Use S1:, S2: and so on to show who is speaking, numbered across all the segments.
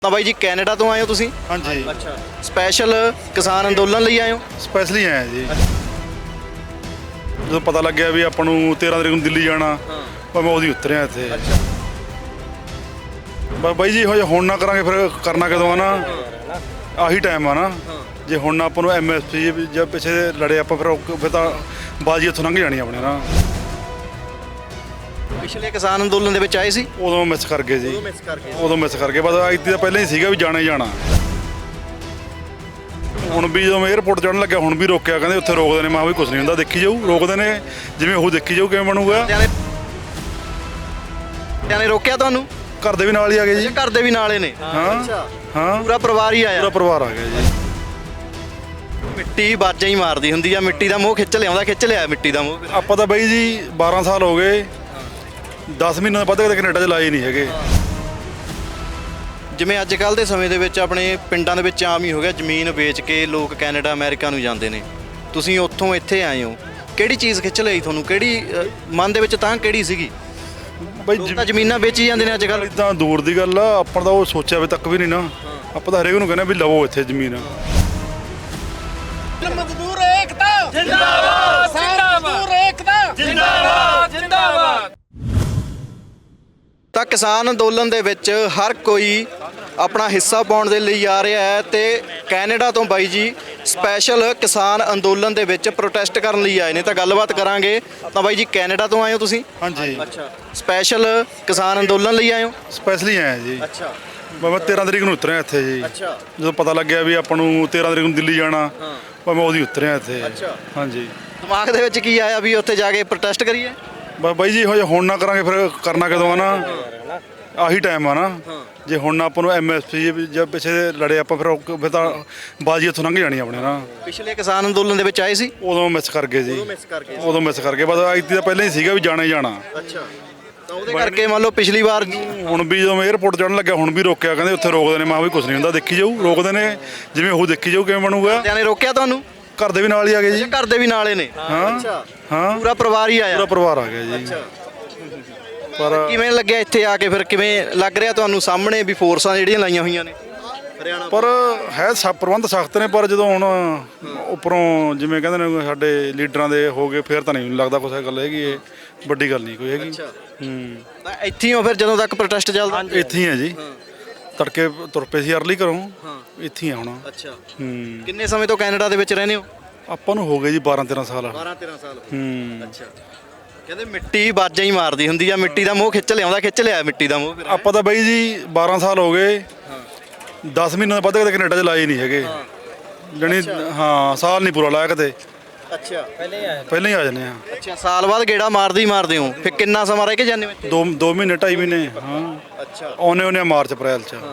S1: ਤਾਂ ਬਾਈ ਜੀ ਕੈਨੇਡਾ ਤੋਂ ਆਏ ਹੋ ਤੁਸੀਂ?
S2: ਹਾਂਜੀ
S1: ਅੱਛਾ, ਸਪੈਸ਼ਲ ਕਿਸਾਨ ਅੰਦੋਲਨ ਲਈ ਆਏ ਹੋ?
S2: ਸਪੈਸ਼ਲੀ ਆਏ ਜੀ। ਜਦੋਂ ਪਤਾ ਲੱਗਿਆ ਵੀ ਆਪਾਂ ਨੂੰ 13 ਤਰੀਕ ਨੂੰ ਦਿੱਲੀ ਜਾਣਾ, ਪਰ ਮੈਂ ਉਹਦੀ ਉਤਰਿਆ ਇੱਥੇ। ਬਸ ਬਾਈ ਜੀ ਹੁਣ ਨਾ ਕਰਾਂਗੇ ਫਿਰ ਕਰਨਾ ਕਦੋਂ ਆ ਨਾ, ਆਹੀ ਟਾਈਮ ਆ ਨਾ। ਜੇ ਹੁਣ ਨਾ ਆਪਾਂ ਨੂੰ MSP ਜਾਂ ਪਿੱਛੇ ਲੜੇ ਆਪਾਂ ਫਿਰ ਤਾਂ ਬਾਜੀ ਇੱਥੋਂ ਲੰਘ ਜਾਣੀ ਆਪਣੇ ਨਾ।
S1: ਪਿਛਲੇ ਕਿਸਾਨ ਅੰਦੋਲਨ ਦੇ ਵਿੱਚ ਆਏ ਸੀ?
S2: ਉਦੋਂ ਮਿਸ ਕਰ ਗਏ ਜੀ, ਉਦੋਂ ਮਿਸ ਕਰ ਗਏ। ਬਸ ਇੱਥੇ ਤਾਂ ਪਹਿਲਾਂ ਹੀ ਸੀਗਾ ਵੀ ਜਾਣਾ ਹੀ ਜਾਣਾ। ਹੁਣ ਵੀ ਜਦੋਂ ਮੈਂ 에ਅਰਪੋਰਟ ਚੜ੍ਹਨ ਲੱਗਿਆ ਹੁਣ ਵੀ ਰੋਕਿਆ, ਕਹਿੰਦੇ ਉੱਥੇ ਰੋਕਦੇ ਨੇ। ਮੈਂ ਵੀ ਕੁਝ ਨਹੀਂ ਹੁੰਦਾ, ਦੇਖੀ ਜਾਊ। ਰੋਕਦੇ ਨੇ ਜਿਵੇਂ ਉਹ ਦੇਖੀ ਜਾਊ ਕਿਵੇਂ ਬਣੂਗਾ।
S1: ਨੇ ਰੋਕਿਆ ਤੁਹਾਨੂੰ?
S2: ਘਰ ਦੇ ਵੀ ਨਾਲ ਹੀ ਆ ਗਏ ਜੀ।
S1: ਘਰ ਦੇ ਵੀ ਨਾਲੇ ਨੇ?
S2: ਹਾਂ ਹਾਂ,
S1: ਪੂਰਾ ਪਰਿਵਾਰ ਹੀ ਆਇਆ?
S2: ਪੂਰਾ ਪਰਿਵਾਰ ਆ ਗਿਆ ਜੀ।
S1: ਮਿੱਟੀ ਬਾਜਾਂ ਹੀ ਮਾਰਦੀ ਹੁੰਦੀ ਆ, ਮਿੱਟੀ ਦਾ ਮੋਹ ਖਿੱਚ ਲਿਆਉਂਦਾ, ਖਿੱਚ ਲਿਆ ਮਿੱਟੀ ਦਾ ਮੋਹ।
S2: ਆਪਾਂ ਤਾਂ ਬਾਈ ਜੀ 12 ਸਾਲ ਹੋ ਗਏ, 10 ਮਹੀਨੇ ਵੱਧ ਕਦੇ ਕੈਨੇਡਾ 'ਚ ਲਾਏ ਨਹੀਂ ਹੈਗੇ।
S1: ਜਿਵੇਂ ਅੱਜ ਕੱਲ੍ਹ ਦੇ ਸਮੇਂ ਦੇ ਵਿੱਚ ਆਪਣੇ ਪਿੰਡਾਂ ਦੇ ਵਿੱਚ ਆਮ ਹੀ ਹੋ ਗਿਆ, ਜ਼ਮੀਨ ਵੇਚ ਕੇ ਲੋਕ ਕੈਨੇਡਾ ਅਮਰੀਕਾ ਨੂੰ ਜਾਂਦੇ ਨੇ। ਤੁਸੀਂ ਉੱਥੋਂ ਇੱਥੇ ਆਏ ਹੋ, ਕਿਹੜੀ ਚੀਜ਼ ਖਿੱਚ ਲਈ ਤੁਹਾਨੂੰ? ਕਿਹੜੀ ਮਨ ਦੇ ਵਿੱਚ ਤਾਂ ਕਿਹੜੀ ਸੀਗੀ?
S2: ਬਾਈ
S1: ਤਾਂ ਜ਼ਮੀਨਾਂ ਵੇਚੀ ਜਾਂਦੇ ਨੇ ਅੱਜ ਕੱਲ੍ਹ।
S2: ਇਦਾਂ ਦੂਰ ਦੀ ਗੱਲ ਆ, ਆਪਾਂ ਤਾਂ ਉਹ ਸੋਚਿਆ ਵੀ ਤੱਕ ਵੀ ਨਹੀਂ ਨਾ। ਆਪਾਂ ਤਾਂ ਹਰੇਕ ਨੂੰ ਕਹਿੰਦੇ ਵੀ ਲਵੋ ਇੱਥੇ ਜ਼ਮੀਨ।
S3: ਮਜ਼ਦੂਰ ਏਕਤਾ ਜਿੰਦਾਬਾਦ, ਮਜ਼ਦੂਰ ਏਕਤਾ ਜਿੰਦਾਬਾਦ ਜਿੰਦਾਬਾਦ।
S1: ਤਾਂ ਕਿਸਾਨ ਅੰਦੋਲਨ ਦੇ ਵਿੱਚ ਹਰ ਕੋਈ ਆਪਣਾ ਹਿੱਸਾ ਪਾਉਣ ਦੇ ਲਈ ਆ ਰਿਹਾ ਹੈ ਤੇ ਕੈਨੇਡਾ ਤੋਂ ਬਾਈ ਜੀ ਸਪੈਸ਼ਲ ਕਿਸਾਨ ਅੰਦੋਲਨ ਦੇ ਵਿੱਚ ਪ੍ਰੋਟੈਸਟ ਕਰਨ ਲਈ ਆਏ ਨੇ। ਤਾਂ ਗੱਲਬਾਤ ਕਰਾਂਗੇ। ਤਾਂ ਬਾਈ ਜੀ ਕੈਨੇਡਾ ਤੋਂ ਆਏ ਹੋ ਤੁਸੀਂ?
S2: ਹਾਂਜੀ,
S1: ਅੱਛਾ, ਸਪੈਸ਼ਲ ਕਿਸਾਨ ਅੰਦੋਲਨ ਲਈ ਆਏ ਹੋ?
S2: ਸਪੈਸ਼ਲੀ ਆਏ ਜੀ।
S1: ਅੱਛਾ,
S2: ਮੈਂ 13 ਤਰੀਕ ਨੂੰ ਉਤਰਿਆ ਇੱਥੇ ਜੀ।
S1: ਅੱਛਾ,
S2: ਜਦੋਂ ਪਤਾ ਲੱਗਿਆ ਵੀ ਆਪਾਂ ਨੂੰ 13 ਤਰੀਕ ਨੂੰ ਦਿੱਲੀ ਜਾਣਾ, ਪਰ ਮੈਂ ਉਹਦੀ ਉਤਰਿਆ ਇੱਥੇ।
S1: ਅੱਛਾ।
S2: ਹਾਂਜੀ,
S1: ਦਿਮਾਗ ਦੇ ਵਿੱਚ ਕੀ ਆਇਆ ਵੀ ਉੱਥੇ ਜਾ ਕੇ ਪ੍ਰੋਟੈਸਟ ਕਰੀਏ?
S2: ਬਸ ਬਾਈ ਜੀ ਹੁਣ ਨਾ ਕਰਾਂਗੇ ਫਿਰ ਕਰਨਾ ਕਦੋਂ ਆ ਨਾ, ਆਹੀ ਟਾਈਮ ਆ ਨਾ। ਜੇ ਹੁਣ ਨਾ ਆਪਾਂ ਨੂੰ MSP ਜਾਂ ਪਿੱਛੇ ਲੜੇ ਆਪਾਂ ਫਿਰ ਤਾਂ ਬਾਜੀ ਇੱਥੋਂ ਲੰਘ ਜਾਣੀ ਆਪਣੇ ਨਾ।
S1: ਪਿਛਲੇ ਕਿਸਾਨ ਅੰਦੋਲਨ ਦੇ ਵਿੱਚ ਆਏ ਸੀ?
S2: ਉਦੋਂ ਮਿਸ ਕਰ ਗਏ ਜੀ, ਉਦੋਂ ਮਿਸ ਕਰ ਗਏ। ਬਸ ਇੱਥੇ ਤਾਂ ਪਹਿਲਾਂ ਹੀ ਸੀਗਾ ਵੀ ਜਾਣਾ ਹੀ ਜਾਣਾ।
S1: ਅੱਛਾ, ਤਾਂ ਉਹਦੇ ਕਰਕੇ ਮੰਨ ਲਓ ਪਿਛਲੀ ਵਾਰ
S2: ਹੁਣ ਵੀ ਜਦੋਂ ਮੈਂ 에ਅਰਪੋਰਟ ਚੜ੍ਹਨ ਲੱਗਿਆ ਹੁਣ ਵੀ ਰੋਕਿਆ, ਕਹਿੰਦੇ ਉੱਥੇ ਰੋਕਦੇ ਨੇ। ਮੈਂ ਵੀ ਕੁਝ ਨਹੀਂ ਹੁੰਦਾ, ਦੇਖੀ ਜਾਊ। ਰੋਕਦੇ ਨੇ ਜਿਵੇਂ ਉਹ ਦੇਖੀ ਜਾਊ ਕਿਵੇਂ ਬਣੂਗਾ।
S1: ਨੇ ਰੋਕਿਆ ਤੁਹਾਨੂੰ?
S2: ਘਰ ਦੇ ਵੀ ਨਾਲ ਹੀ ਆ ਗਏ ਜੀ।
S1: ਘਰ ਦੇ ਵੀ ਨਾਲੇ ਨੇ?
S2: ਹਾਂ ਹਾਂ,
S1: ਪੂਰਾ ਪਰਿਵਾਰ ਹੀ ਆਇਆ?
S2: ਪੂਰਾ ਪਰਿਵਾਰ ਆ ਗਿਆ ਜੀ। ਪਰ
S1: ਕਿਵੇਂ ਲੱਗਿਆ ਇੱਥੇ ਆ ਕੇ? ਫਿਰ ਕਿਵੇਂ ਲੱਗ ਰਿਹਾ ਤੁਹਾਨੂੰ ਸਾਹਮਣੇ ਵੀ ਫੋਰਸਾਂ ਜਿਹੜੀਆਂ ਲਾਈਆਂ ਹੋਈਆਂ ਨੇ ਹਰਿਆਣਾ?
S2: ਪਰ ਹੈ ਸਭ ਪ੍ਰਬੰਧ ਸਖਤ ਨੇ, ਪਰ ਜਦੋਂ ਹੁਣ ਉੱਪਰੋਂ ਜਿਵੇਂ ਕਹਿੰਦੇ ਨੇ ਸਾਡੇ ਲੀਡਰਾਂ ਦੇ ਹੋ ਗਏ, ਫਿਰ ਤਾਂ ਨਹੀਂ ਲੱਗਦਾ ਕੁਛ ਗੱਲ ਹੈਗੀ। ਇਹ ਵੱਡੀ ਗੱਲ ਨਹੀਂ ਕੋਈ ਹੈਗੀ।
S1: ਤਾਂ ਇੱਥੇ ਹੀ ਹੋ ਫਿਰ ਜਦੋਂ ਤੱਕ ਪ੍ਰੋਟੈਸਟ ਚੱਲਦਾ?
S2: ਇੱਥੇ ਹੀ ਆ ਜੀ। ਤੜਕੇ ਤੁਰ ਪਏ ਸੀ ਅਰਲੀ ਘਰੋਂ, ਇੱਥੇ ਹੀ ਆ ਹੁਣ।
S1: ਅੱਛਾ, ਕਿੰਨੇ ਸਮੇਂ ਤੋਂ ਕੈਨੇਡਾ ਦੇ ਵਿੱਚ ਰਹਿੰਦੇ ਹੋ?
S2: ਆਪਾਂ ਨੂੰ ਹੋ ਗਏ ਜੀ 12-13 ਸਾਲ।
S1: 12-13 ਸਾਲ। ਅੱਛਾ, ਕਹਿੰਦੇ ਮਿੱਟੀ ਬਾਜਾਂ ਹੀ ਮਾਰਦੀ ਹੁੰਦੀ ਆ, ਮਿੱਟੀ ਦਾ ਮੋਹ ਖਿੱਚ ਲਿਆਉਂਦਾ, ਖਿੱਚ ਲਿਆ ਮਿੱਟੀ ਦਾ ਮੋਹ।
S2: ਆਪਾਂ ਤਾਂ ਬਾਈ ਜੀ 12 ਸਾਲ ਹੋ ਗਏ, 10 ਮਹੀਨੇ ਵੱਧ ਕਦੇ ਕੈਨੇਡਾ 'ਚ ਲਾਏ ਨਹੀਂ ਹੈਗੇ। ਜਾਣੀ ਹਾਂ, ਸਾਲ ਨਹੀਂ ਪੂਰਾ ਲਾਇਆ ਕਦੇ।
S1: ਅੱਛਾ,
S2: ਪਹਿਲਾਂ ਹੀ ਆ ਜਾਂਦੇ ਆ।
S1: ਅੱਛਾ, ਸਾਲ ਬਾਅਦ ਗੇੜਾ ਮਾਰਦੇ ਹੋ? ਫਿਰ ਕਿੰਨਾ ਸਮਾਂ ਰਹਿ ਕੇ ਜਾਂਦੇ ਹੋ ਇੱਥੇ?
S2: 2 ਮਹੀਨੇ 2.5 ਮਹੀਨੇ। ਹਾਂ,
S1: ਅੱਛਾ,
S2: ਆਉਨੇ ਮਾਰਚ ਅਪ੍ਰੈਲ 'ਚ।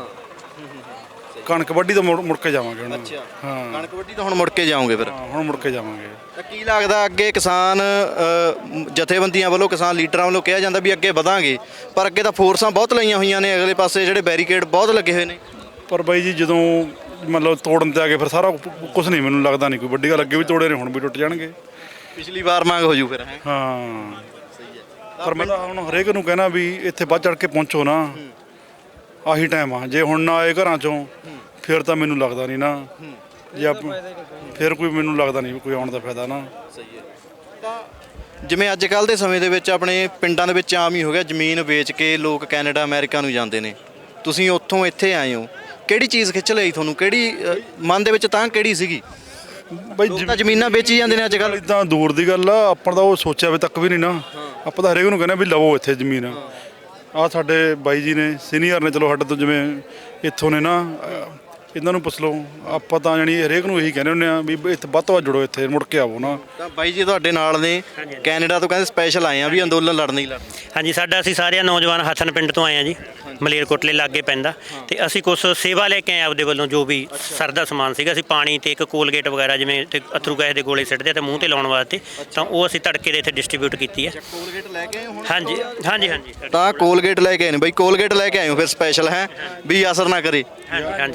S2: ਕਣਕ ਵੱਢੀ ਤੋਂ ਮੁੜ ਕੇ ਜਾਵਾਂਗੇ ਹੁਣ।
S1: ਅੱਛਾ,
S2: ਹਾਂ,
S1: ਕਣਕ ਵੱਢੀ ਤਾਂ ਹੁਣ ਮੁੜ ਕੇ ਜਾਓਗੇ ਫਿਰ?
S2: ਹੁਣ ਮੁੜ ਕੇ ਜਾਵਾਂਗੇ।
S1: ਤਾਂ ਕੀ ਲੱਗਦਾ ਅੱਗੇ ਕਿਸਾਨ ਜਥੇਬੰਦੀਆਂ ਵੱਲੋਂ, ਕਿਸਾਨ ਲੀਡਰਾਂ ਵੱਲੋਂ ਕਿਹਾ ਜਾਂਦਾ ਵੀ ਅੱਗੇ ਵਧਾਂਗੇ, ਪਰ ਅੱਗੇ ਤਾਂ ਫੋਰਸਾਂ ਬਹੁਤ ਲਾਈਆਂ ਹੋਈਆਂ ਨੇ, ਅਗਲੇ ਪਾਸੇ ਜਿਹੜੇ ਬੈਰੀਕੇਡ ਬਹੁਤ ਲੱਗੇ ਹੋਏ ਨੇ।
S2: ਪਰ ਬਾਈ ਜੀ ਜਦੋਂ ਮਤਲਬ ਤੋੜਨ ਤੇ ਆ ਗਏ ਫਿਰ ਸਾਰਾ ਕੁਝ ਨਹੀਂ, ਮੈਨੂੰ ਲੱਗਦਾ ਨਹੀਂ ਕੋਈ ਵੱਡੀ ਗੱਲ। ਅੱਗੇ ਵੀ ਤੋੜੇ ਨੇ, ਹੁਣ ਵੀ ਟੁੱਟ ਜਾਣਗੇ।
S1: ਪਿਛਲੀ ਵਾਰ ਮੰਗ ਹੋ ਜੂ ਫਿਰ। ਹੈ
S2: ਹਾਂ, ਪਰ ਮੈਂ ਤਾਂ ਹੁਣ ਹਰੇਕ ਨੂੰ ਕਹਿਣਾ ਵੀ ਇੱਥੇ ਵੱਧ ਚੜ ਕੇ ਪਹੁੰਚੋ ਨਾ, ਆਹੀ ਟਾਈਮ ਆ। ਜੇ ਹੁਣ ਨਾ ਆਏ ਘਰਾਂ ਚੋਂ ਫਿਰ ਤਾਂ ਮੈਨੂੰ ਲੱਗਦਾ ਨਹੀਂ ਨਾ, ਜੇ ਫਿਰ ਕੋਈ ਮੈਨੂੰ ਲੱਗਦਾ ਨਹੀਂ ਕੋਈ ਆਉਣ ਦਾ ਫਾਇਦਾ ਨਾ।
S1: ਸਹੀ ਹੈ। ਤਾਂ ਜਿਵੇਂ ਅੱਜ ਕੱਲ੍ਹ ਦੇ ਸਮੇਂ ਦੇ ਵਿੱਚ ਆਪਣੇ ਪਿੰਡਾਂ ਦੇ ਵਿੱਚ ਆਮ ਹੀ ਹੋ ਗਿਆ, ਜ਼ਮੀਨ ਵੇਚ ਕੇ ਲੋਕ ਕੈਨੇਡਾ ਅਮਰੀਕਾ ਨੂੰ ਜਾਂਦੇ ਨੇ। ਤੁਸੀਂ ਉੱਥੋਂ ਇੱਥੇ ਆਏ ਹੋ, ਕਿਹੜੀ ਚੀਜ਼ ਖਿੱਚ ਲਈ ਤੁਹਾਨੂੰ? ਕਿਹੜੀ ਮਨ ਦੇ ਵਿੱਚ ਤਾਂ ਕਿਹੜੀ ਸੀਗੀ?
S2: ਬਾਈ
S1: ਤਾਂ ਜ਼ਮੀਨਾਂ ਵੇਚੀ ਜਾਂਦੇ ਨੇ ਅੱਜ ਕੱਲ੍ਹ।
S2: ਇਦਾਂ ਦੂਰ ਦੀ ਗੱਲ ਆ, ਆਪਾਂ ਤਾਂ ਉਹ ਸੋਚਿਆ ਵੀ ਤੱਕ ਵੀ ਨਹੀਂ ਨਾ। ਆਪਾਂ ਤਾਂ ਹਰੇਕ ਨੂੰ ਕਹਿੰਦੇ ਵੀ ਲਵੋ ਇੱਥੇ ਜ਼ਮੀਨ। ਆਹ ਸਾਡੇ ਬਾਈ ਜੀ ਨੇ, ਸੀਨੀਅਰ ਨੇ, ਚਲੋ ਸਾਡੇ ਤੋਂ ਜਿਵੇਂ ਇੱਥੋਂ ਨੇ ਨਾ, ਇਹਨਾਂ ਨੂੰ ਪੁੱਛ ਲਓ। ਆਪਾਂ ਤਾਂ ਜਾਣੀ ਹਰੇਕ ਨੂੰ ਇਹੀ ਕਹਿੰਦੇ ਹੁੰਦੇ ਆ ਵੀ ਇੱਥੇ ਵੱਧ ਤੋਂ ਵੱਧ ਜੁੜੋ, ਇੱਥੇ ਮੁੜ ਕੇ ਆਵੋ ਨਾ।
S1: ਤਾਂ ਬਾਈ ਜੀ ਤੁਹਾਡੇ ਨਾਲ ਨੇ, ਕੈਨੇਡਾ ਤੋਂ ਕਹਿੰਦੇ ਸਪੈਸ਼ਲ ਆਏ ਆ ਵੀ ਅੰਦੋਲਨ ਲੜਨ ਹੀ ਲੜਨਾ।
S4: ਹਾਂਜੀ, ਸਾਡਾ ਅਸੀਂ ਸਾਰੇ ਨੌਜਵਾਨ ਹਸਨ ਪਿੰਡ ਤੋਂ ਆਏ ਆ ਜੀ, ਮਲੇਰਕੋਟਲੇ ਲਾਗੇ ਪੈਂਦਾ। ਤੇ ਅਸੀਂ ਕੁਝ ਸੇਵਾ ਲੈ ਕੇ ਆਏ ਆਪਦੇ ਵੱਲੋਂ, ਜੋ ਵੀ ਸਰਦਾ ਸਮਾਨ ਸੀਗਾ। ਅਸੀਂ ਪਾਣੀ ਤੇ ਇੱਕ ਕੋਲਗੇਟ ਵਗੈਰਾ, ਜਿਵੇਂ ਅਥਰੂ ਗੈਸ ਦੇ ਗੋਲੇ ਸਿੱਟਦੇ ਤੇ ਮੂੰਹ ਤੇ ਲਾਉਣ ਵਾਸਤੇ, ਤਾਂ ਉਹ ਅਸੀਂ ਤੜਕੇ ਦੇ ਇੱਥੇ ਡਿਸਟ੍ਰੀਬਿਊਟ ਕੀਤੀ ਹੈ।
S1: ਕੋਲਗੇਟ ਲੈ ਕੇ ਆਏ ਹੋ?
S4: ਹਾਂਜੀ ਹਾਂਜੀ ਹਾਂਜੀ।
S1: ਤਾਂ ਕੋਲਗੇਟ ਲੈ ਕੇ ਆਏ ਨੇ ਬਾਈ, ਕੋਲਗੇਟ ਲੈ ਕੇ ਆਏ ਹੋ ਫਿਰ ਸਪੈਸ਼ਲ? ਹੈ ਵੀ ਅਸਰ ਨਾ ਕਰੇ।
S4: ਹਾਂਜੀ ਹਾਂਜੀ ਹਾਂਜੀ।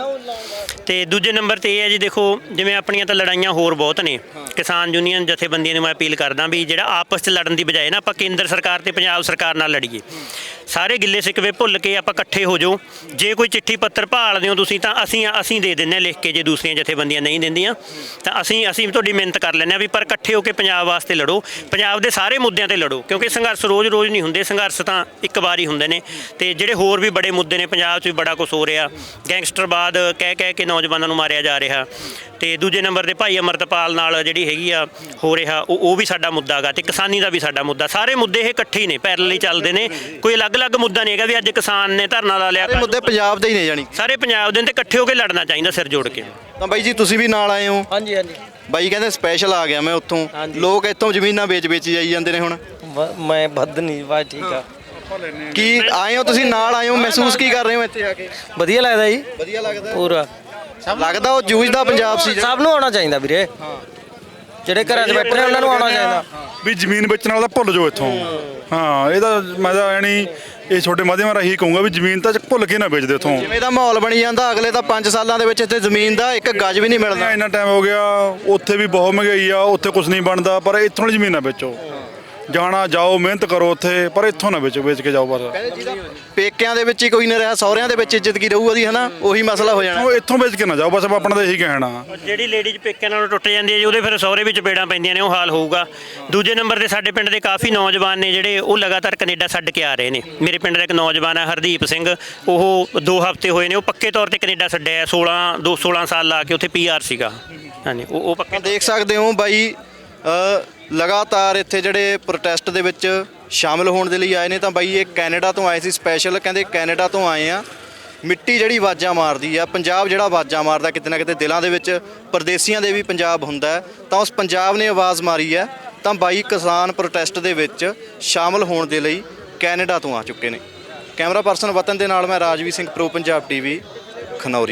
S4: ਤੇ ਦੂਜੇ ਨੰਬਰ ਤੇ ਇਹ ਹੈ ਜੀ, ਦੇਖੋ ਜਿਵੇਂ ਆਪਣੀਆਂ ਤਾਂ ਲੜਾਈਆਂ ਹੋਰ ਬਹੁਤ ਨੇ। ਕਿਸਾਨ ਯੂਨੀਅਨ ਜਥੇਬੰਦੀਆਂ ਨੂੰ ਮੈਂ ਅਪੀਲ ਕਰਦਾ ਵੀ ਜਿਹੜਾ ਆਪਸ 'ਚ ਲੜਨ ਦੀ ਬਜਾਏ ਨਾ ਆਪਾਂ ਕੇਂਦਰ ਸਰਕਾਰ ਤੇ ਪੰਜਾਬ ਸਰਕਾਰ ਨਾਲ ਲੜੀਏ। ਸਾਰੇ ਗਿੱਲੇ ਸਿਕਵੇ ਭੁੱਲ ਕੇ ਆਪਾਂ ਇਕੱਠੇ ਹੋ ਜਾਓ। ਜੇ ਕੋਈ ਚਿੱਠੀ ਪੱਤਰ ਭਾਲਦੇ ਹੋ ਤੁਸੀਂ ਤਾਂ ਅਸੀਂ ਦੇ ਦਿੰਦੇ ਹਾਂ ਲਿਖ ਕੇ, ਜੇ ਦੂਸਰੀਆਂ ਜਥੇਬੰਦੀਆਂ ਨਹੀਂ ਦਿੰਦੀਆਂ ਤਾਂ ਅਸੀਂ ਤੁਹਾਡੀ ਮਿਹਨਤ ਕਰ ਲੈਂਦੇ ਹਾਂ ਵੀ, ਪਰ ਇਕੱਠੇ ਹੋ ਕੇ ਪੰਜਾਬ ਵਾਸਤੇ ਲੜੋ, ਪੰਜਾਬ ਦੇ ਸਾਰੇ ਮੁੱਦਿਆਂ ਤੇ ਲੜੋ, ਕਿਉਂਕਿ ਸੰਘਰਸ਼ ਰੋਜ਼-ਰੋਜ਼ ਨਹੀਂ ਹੁੰਦੇ, ਸੰਘਰਸ਼ ਤਾਂ ਇੱਕ ਵਾਰ ਹੀ ਹੁੰਦੇ ਨੇ। ਤੇ ਜਿਹੜੇ ਹੋਰ ਵੀ ਬੜੇ ਮੁੱਦੇ ਨੇ, ਪੰਜਾਬ 'ਚ ਵੀ ਬੜਾ ਕੁਝ ਹੋ ਰਿਹਾ, ਗੈਂਗਸਟਰਵਾਦ ਕਹਿ ਕੇ ਨੌਜਵਾਨਾਂ ਨੂੰ ਮਾਰਿਆ ਜਾ ਰਿਹਾ। ਤੇ ਦੂਜੇ ਨੰਬਰ ਤੇ ਭਾਈ ਅਮਰਤਪਾਲ ਨਾਲ ਜਿਹੜੀ ਹੈਗੀ ਆ ਹੋ ਰਿਹਾ, ਉਹ ਵੀ ਸਾਡਾ ਮੁੱਦਾ ਹੈਗਾ, ਤੇ ਕਿਸਾਨੀ ਦਾ ਵੀ ਸਾਡਾ ਮੁੱਦਾ। ਸਾਰੇ ਮੁੱਦੇ ਇਹ ਇਕੱਠੇ ਹੀ ਨੇ, ਪੈਰਲਲ ਹੀ ਚੱਲਦੇ ਨੇ, ਕੋਈ ਅਲੱਗ-ਅਲੱਗ ਮੁੱਦਾ ਨਹੀਂ ਹੈਗਾ ਵੀ ਅੱਜ ਕਿਸਾਨ ਨੇ ਧਰਨਾ ਲਾ ਲਿਆ।
S1: ਸਾਰੇ ਮੁੱਦੇ ਪੰਜਾਬ ਦੇ ਹੀ ਨੇ ਜਾਣੀ।
S4: ਸਾਰੇ ਪੰਜਾਬ ਦੇ ਨੇ, ਤੇ ਇਕੱਠੇ ਹੋ ਕੇ ਲੜਨਾ ਚਾਹੀਦਾ ਸਿਰ ਜੋੜ ਕੇ।
S1: ਤਾਂ ਬਾਈ ਜੀ ਤੁਸੀਂ ਵੀ ਨਾਲ ਆਏ ਹੋ?
S5: ਹਾਂਜੀ ਹਾਂਜੀ।
S1: ਬਾਈ ਕਹਿੰਦੇ ਸਪੈਸ਼ਲ ਆ ਗਿਆ ਮੈਂ ਉੱਥੋਂ, ਲੋਕ ਇੱਥੋਂ ਜ਼ਮੀਨਾਂ ਵੇਚ ਜਾਈ ਜਾਂਦੇ ਨੇ ਹੁਣ।
S5: ਮੈਂ ਵੱਧ ਨਹੀਂ ਬਸ ਠੀਕ ਆ।
S1: ਕੀ ਆਏ ਹੋ ਤੁਸੀਂ ਨਾਲ ਆਏ ਹੋ, ਮਹਿਸੂਸ ਕੀ ਕਰ ਰਹੇ ਹੋ ਇੱਥੇ ਆ ਕੇ?
S5: ਵਧੀਆ ਲੱਗਦਾ ਜੀ,
S1: ਵਧੀਆ ਲੱਗਦਾ
S5: ਪੂਰਾ।
S1: ਲੱਗਦਾ ਉਹ ਜੂਝਦਾ ਪੰਜਾਬ ਸੀ ਜਿਹੜਾ।
S5: ਸਭ ਨੂੰ ਆਉਣਾ ਚਾਹੀਦਾ ਵੀਰੇ, ਜਿਹੜੇ ਘਰਾਂ 'ਚ ਬੈਠੇ ਨੇ ਉਹਨਾਂ ਨੂੰ ਆਉਣਾ ਚਾਹੀਦਾ।
S2: ਵੀ ਜ਼ਮੀਨ ਵੇਚਣ ਵਾਲਾ ਤਾਂ ਭੁੱਲ ਜਾਓ ਇੱਥੋਂ। ਹਾਂ, ਇਹ ਤਾਂ ਮੈਂ ਤਾਂ ਐ ਨਹੀਂ, ਇਹ ਛੋਟੇ ਮਾਧਿਅਮਾਂ ਰਾਹੀਂ ਕਹੂੰਗਾ ਵੀ ਜ਼ਮੀਨ ਤਾਂ ਭੁੱਲ ਕੇ ਨਾ ਵੇਚ ਦਿਓ ਇੱਥੋਂ।
S1: ਜਿਵੇਂ ਦਾ ਮਾਹੌਲ ਬਣੀ ਜਾਂਦਾ, ਅਗਲੇ ਤਾਂ 5 ਸਾਲਾਂ ਦੇ ਵਿੱਚ ਇੱਥੇ ਜ਼ਮੀਨ ਦਾ ਇੱਕ ਗੱਜ ਵੀ ਨਹੀਂ ਮਿਲਦਾ।
S2: ਇੰਨਾ ਟਾਈਮ ਹੋ ਗਿਆ, ਉੱਥੇ ਵੀ ਬਹੁਤ ਮਹਿੰਗਾਈ ਆ, ਉੱਥੇ ਕੁਝ ਨਹੀਂ ਬਣਦਾ, ਪਰ ਇੱਥੋਂ ਵਾਲੀ ਜ਼ਮੀਨ ਨਾ ਵੇਚੋ। ਜਾਣਾ ਜਾਓ, ਮਿਹਨਤ ਕਰੋ ਉੱਥੇ, ਪਰ ਇੱਥੋਂ ਨਾ ਵੇਚ ਕੇ ਜਾਓ ਬਸ।
S1: ਪੇਕਿਆਂ ਦੇ ਵਿੱਚ ਹੀ ਕੋਈ ਨਾ ਰਿਹਾ, ਸਹੁਰਿਆਂ ਦੇ ਵਿੱਚ ਇੱਜ਼ਤ ਕੀ ਰਹੂ ਉਹਦੀ, ਹਨਾ? ਉਹੀ ਮਸਲਾ ਹੋ ਜਾਣਾ।
S2: ਉਹ ਇੱਥੋਂ ਵੇਚ ਕੇ ਨਾ ਜਾਓ ਬਸ, ਆਪਣਾ ਤਾਂ ਇਹੀ ਕਹਿਣਾ।
S4: ਜਿਹੜੀ ਲੇਡੀਜ਼ ਪੇਕਿਆਂ ਨਾਲੋਂ ਟੁੱਟ ਜਾਂਦੀ ਹੈ ਜੀ, ਉਹਦੇ ਫਿਰ ਸਹੁਰੇ ਵਿੱਚ ਪੇੜਾਂ ਪੈਂਦੀਆਂ ਨੇ, ਉਹ ਹਾਲ ਹੋਊਗਾ। ਦੂਜੇ ਨੰਬਰ ਤੇ ਸਾਡੇ ਪਿੰਡ ਦੇ ਕਾਫੀ ਨੌਜਵਾਨ ਨੇ ਜਿਹੜੇ ਉਹ ਲਗਾਤਾਰ ਕੈਨੇਡਾ ਛੱਡ ਕੇ ਆ ਰਹੇ ਨੇ। ਮੇਰੇ ਪਿੰਡ ਦਾ ਇੱਕ ਨੌਜਵਾਨ ਹੈ ਹਰਦੀਪ ਸਿੰਘ, ਉਹ 2 ਹਫ਼ਤੇ ਹੋਏ ਨੇ, ਉਹ ਪੱਕੇ ਤੌਰ ਤੇ ਕੈਨੇਡਾ ਛੱਡਿਆ। 16 ਸਾਲ ਲਾ ਕੇ ਉੱਥੇ PR ਸੀਗਾ। ਹਾਂਜੀ, ਉਹ ਪੱਕੇ।
S1: ਦੇਖ ਸਕਦੇ ਹੋ ਬਾਈ ਲਗਾਤਾਰ ਇੱਥੇ ਜਿਹੜੇ ਪ੍ਰੋਟੈਸਟ ਦੇ ਵਿੱਚ ਸ਼ਾਮਲ ਹੋਣ ਦੇ ਲਈ ਆਏ ਨੇ। ਤਾਂ ਬਾਈ ਇਹ ਕੈਨੇਡਾ ਤੋਂ ਆਏ ਸੀ ਸਪੈਸ਼ਲ, ਕਹਿੰਦੇ ਕੈਨੇਡਾ ਤੋਂ ਆਏ ਆ। ਮਿੱਟੀ ਜਿਹੜੀ ਆਵਾਜ਼ਾਂ ਮਾਰਦੀ ਆ, ਪੰਜਾਬ ਜਿਹੜਾ ਆਵਾਜ਼ਾਂ ਮਾਰਦਾ ਕਿਤੇ ਨਾ ਕਿਤੇ ਦਿਲਾਂ ਦੇ ਵਿੱਚ, ਪਰਦੇਸੀਆਂ ਦੇ ਵੀ ਪੰਜਾਬ ਹੁੰਦਾ ਹੈ, ਤਾਂ ਉਸ ਪੰਜਾਬ ਨੇ ਆਵਾਜ਼ ਮਾਰੀ ਹੈ। ਤਾਂ ਬਾਈ ਕਿਸਾਨ ਪ੍ਰੋਟੈਸਟ ਦੇ ਵਿੱਚ ਸ਼ਾਮਲ ਹੋਣ ਦੇ ਲਈ ਕੈਨੇਡਾ ਤੋਂ ਆ ਚੁੱਕੇ ਨੇ। ਕੈਮਰਾ ਪਰਸਨ ਵਤਨ ਦੇ ਨਾਲ ਮੈਂ ਰਾਜਵੀਰ ਸਿੰਘ, ਪ੍ਰੋ ਪੰਜਾਬ TV, ਖਨੌਰੀ।